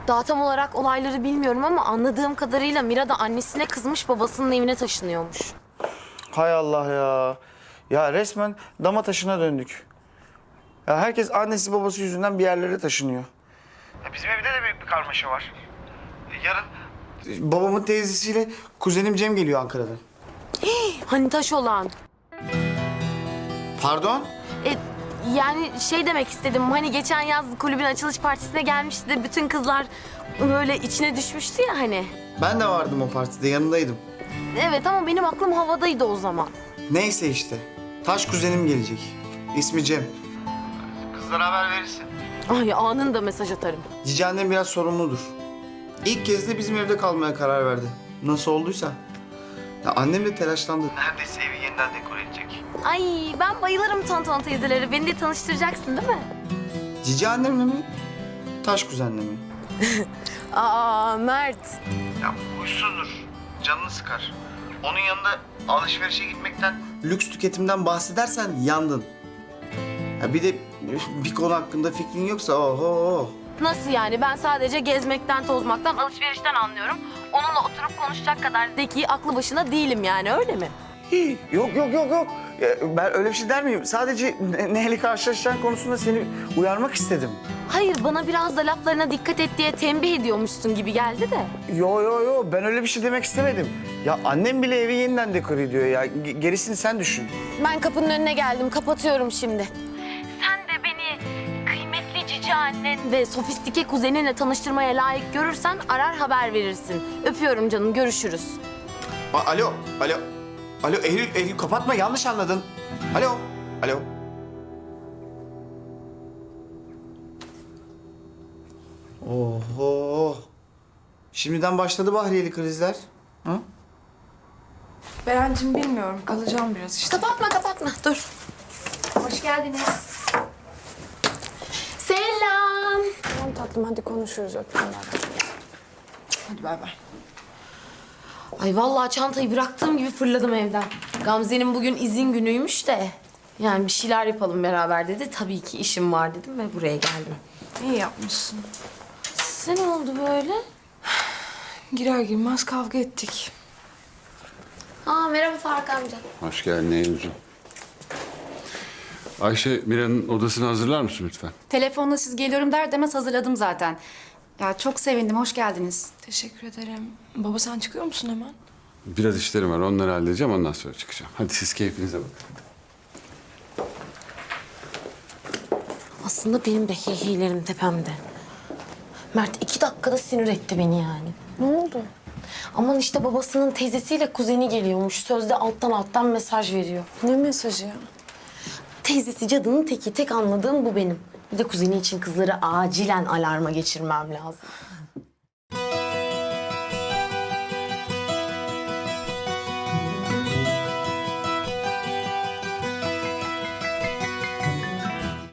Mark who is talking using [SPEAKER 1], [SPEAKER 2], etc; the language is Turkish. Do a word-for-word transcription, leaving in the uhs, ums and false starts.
[SPEAKER 1] Daha tam olarak olayları bilmiyorum ama anladığım kadarıyla Mira da annesine kızmış, babasının evine taşınıyormuş.
[SPEAKER 2] Hay Allah ya. Ya resmen dama taşına döndük. Ya herkes annesi babası yüzünden bir yerlere taşınıyor. Ya bizim evde de büyük bir karmaşa var. Yarın babamın teyzesiyle kuzenim Cem geliyor Ankara'dan.
[SPEAKER 1] Hani taş olan.
[SPEAKER 2] Pardon?
[SPEAKER 1] E, yani şey demek istedim, hani geçen yaz kulübün açılış partisine gelmişti de bütün kızlar böyle içine düşmüştü ya hani.
[SPEAKER 2] Ben de vardım o partide, yanındaydım.
[SPEAKER 1] Evet ama benim aklım havadaydı o zaman.
[SPEAKER 2] Neyse işte. Taş kuzenim gelecek. İsmi Cem. Kızlara haber verirsin.
[SPEAKER 1] Ay anında mesaj atarım.
[SPEAKER 2] Cici annem biraz sorumludur. İlk kez de bizim evde kalmaya karar verdi. Nasıl olduysa. Ya annem de telaşlandı. Neredeyse evi yeniden dekore edecek.
[SPEAKER 1] Ay ben bayılırım Tonton teyzeleri. Beni de tanıştıracaksın değil mi?
[SPEAKER 2] Cici annemle mi? Taş kuzenle mi?
[SPEAKER 1] Aa Mert.
[SPEAKER 2] Ya huysuzdur. Canını sıkar. Onun yanında alışverişe gitmekten, lüks tüketimden bahsedersen yandın. Ya bir de bir konu hakkında fikrin yoksa oho.
[SPEAKER 1] Nasıl yani? Ben sadece gezmekten, tozmaktan, alışverişten anlıyorum. Onunla oturup konuşacak kadar zeki, aklı başına değilim yani, öyle mi?
[SPEAKER 2] Hii, yok yok yok yok. Ya ben öyle bir şey der miyim? Sadece ne- neyle karşılaşacağın konusunda seni uyarmak istedim.
[SPEAKER 1] Hayır, bana biraz da laflarına dikkat et diye tembih ediyormuşsun gibi geldi de.
[SPEAKER 2] Yo yo yo, ben öyle bir şey demek istemedim. Ya annem bile evi yeniden dekore ediyor ya. Ge- gerisini sen düşün.
[SPEAKER 1] Ben kapının önüne geldim, kapatıyorum şimdi. Sen de beni kıymetli cici annen ve sofistike kuzeninle tanıştırmaya layık görürsen arar haber verirsin. Öpüyorum canım, görüşürüz.
[SPEAKER 2] A- alo, alo. Alo Eylül, Eylül kapatma, yanlış anladın. Alo, alo. Oho. Şimdiden başladı Bahriyeli krizler. Hı?
[SPEAKER 3] Berencim bilmiyorum. Kalacağım biraz işte.
[SPEAKER 1] Kapatma, kapatma. Dur.
[SPEAKER 3] Hoş geldiniz.
[SPEAKER 1] Selam.
[SPEAKER 3] Tamam tatlım hadi konuşuruz öptüm ben. Hadi bay bay.
[SPEAKER 1] Ay vallahi çantayı bıraktığım gibi fırladım evden. Gamze'nin bugün izin günüymüş de. Yani bir şeyler yapalım beraber dedi. Tabii ki işim var dedim ve buraya geldim.
[SPEAKER 3] İyi yapmışsın.
[SPEAKER 1] Size ne oldu böyle?
[SPEAKER 3] Girer girmez kavga ettik.
[SPEAKER 1] Aa merhaba Faruk amca.
[SPEAKER 4] Hoş geldin Eylül'cüğüm. Ayşe, Mira'nın odasını hazırlar mısın lütfen?
[SPEAKER 5] Telefonla siz geliyorum der demez hazırladım zaten. Ya çok sevindim, hoş geldiniz.
[SPEAKER 3] Teşekkür ederim. Baba sen çıkıyor musun hemen?
[SPEAKER 4] Biraz işlerim var, onları halledeceğim, ondan sonra çıkacağım. Hadi siz keyfinize bakın.
[SPEAKER 1] Aslında benim de heyheylerim tepemde. Mert iki dakikada sinir etti beni yani.
[SPEAKER 3] Ne oldu?
[SPEAKER 1] Aman işte babasının teyzesiyle kuzeni geliyormuş. Sözde alttan alttan mesaj veriyor.
[SPEAKER 3] Ne mesajı ya?
[SPEAKER 1] Teyzesi cadının teki. Tek anladığım bu benim. Bir de kuzeni için kızları acilen alarma geçirmem lazım.